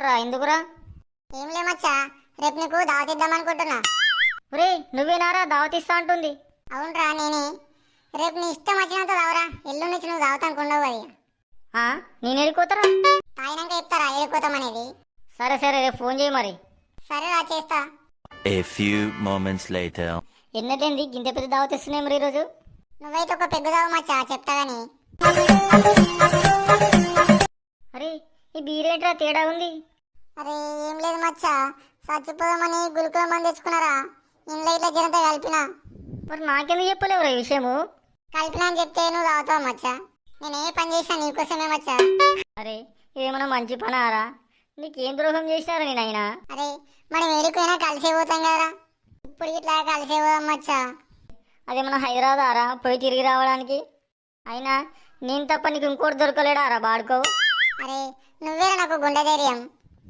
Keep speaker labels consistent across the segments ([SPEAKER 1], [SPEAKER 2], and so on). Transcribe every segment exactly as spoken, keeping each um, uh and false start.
[SPEAKER 1] అవునరా, ఎందుకురా?
[SPEAKER 2] ఏం లే మచ్చా, రేపు నీకు దావత్ ఇద్దాం అనుకుంటున్నా.
[SPEAKER 1] ఒరే, నువ్వేనారా దావతిస్తా అంటుంది?
[SPEAKER 2] అవునరా, నేనే. రేపు నీ ఇష్టం వచ్చినంత దావరా, ఎల్లుండి నుంచి నువ్వు దావత్ అనుకున్నావు అది.
[SPEAKER 1] ఆ, నేను వెళ్ళిపోతారా?
[SPEAKER 2] తాగినాక చెప్తారా వెళ్ళిపోతామనేది.
[SPEAKER 1] సరే సరే, రేపు ఫోన్ చేయి మరి.
[SPEAKER 2] సరే రా, చేస్తా.
[SPEAKER 3] A few moments later.
[SPEAKER 1] ఎన్నటేంది గింత పెద్ద దావతిస్తున్నాయి మరి ఈరోజు?
[SPEAKER 2] నువ్వైతే ఒక పెగ్గు దావు మచ్చా, చెప్తా గాని.
[SPEAKER 1] అరే, ఈ బీరేంట్రా తేడా ఉంది?
[SPEAKER 2] అరే ఏం లేదు మచ్చా, చచ్చిపోదామని గులుకుల మంది తెచ్చుకున్నారా, ఇంట్లో ఇట్లా జనంతా కలిపినా.
[SPEAKER 1] మరి నాకెందుకు చెప్పలేవురా ఈ విషయము?
[SPEAKER 2] కలిపినా అని చెప్తే నువ్వు తాగుతావు మచ్చా. నేను ఏ పని చేసినా నీకోసమే మచ్చా.
[SPEAKER 1] అరే, ఇదేమన్నా మంచి పనారా? నీకేం ద్రోహం చేసినారా నేను అయినా?
[SPEAKER 2] అరే మనం ఏడిపోయినా కలిసే పోతాం కదరా, ఇప్పుడు ఇట్లా కలిసే పోదాం మచ్చా.
[SPEAKER 1] అదేమన్నా హైదరాబాద్ ఆరా పోయి తిరిగి రావడానికి? అయినా నేను తప్ప నీకు ఇంకోటి దొరకలేడారా బాడుకో?
[SPEAKER 2] అరే నువ్వేరా నాకు గుండె ధైర్యం.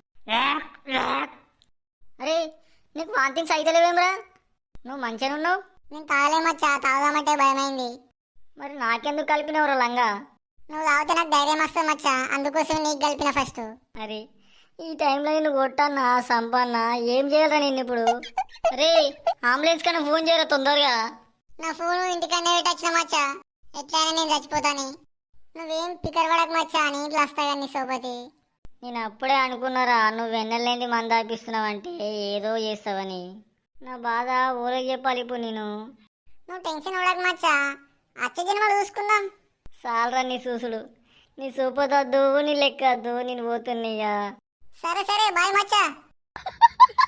[SPEAKER 1] అరే, నీకు వాంతింగ్స్ అయితలేవేమ్రా? నువ్వు మంచిగా ఉన్నావు.
[SPEAKER 2] నేను తాగలే మచ్చా, తాగుదామంటే భయమైంది.
[SPEAKER 1] మరి నాకెందుకు కలిపినవరా లంగా?
[SPEAKER 2] నువ్వు తాగితే నాకు ధైర్యం వస్తుంది మచ్చా, అందుకోసం నీకు కలిపిన ఫస్ట్.
[SPEAKER 1] అరే, ఈ టైంలో నిన్ను కొట్టన్నా సంపన్నా ఏం చేయాలరా నిన్ను ఇప్పుడు? అరే, అంబులెన్స్ కన్నా ఫోన్ చేయరా తొందరగా.
[SPEAKER 2] నా ఫోన్ ఇంటికన్నా పెట్టొచ్చిన మచ్చా, ఎట్లయినా నేను చచ్చిపోతాని. నువ్వేం పికర్ పడక మచ్చా, నీ ఇంట్లో వస్తా కానీ నీ సోపతి.
[SPEAKER 1] నేను అప్పుడే అనుకున్నారా నువ్వు వెన్నెలేంది మంద ఆపిస్తున్నావంటే ఏదో చేస్తావని. నా బాధ ఊరికి చెప్పాలి ఇప్పుడు నేను.
[SPEAKER 2] నువ్వు టెన్షన్ పడక మచ్చా, అచ్చ జన్మలు చూసుకుందాం.
[SPEAKER 1] చాలరా నీ చూసుడు. నీ సూపదొద్దు, నీ లెక్కద్దు, నేను పోతున్నాయ్యా.
[SPEAKER 2] సరే సరే బాయ్ మచ్చా.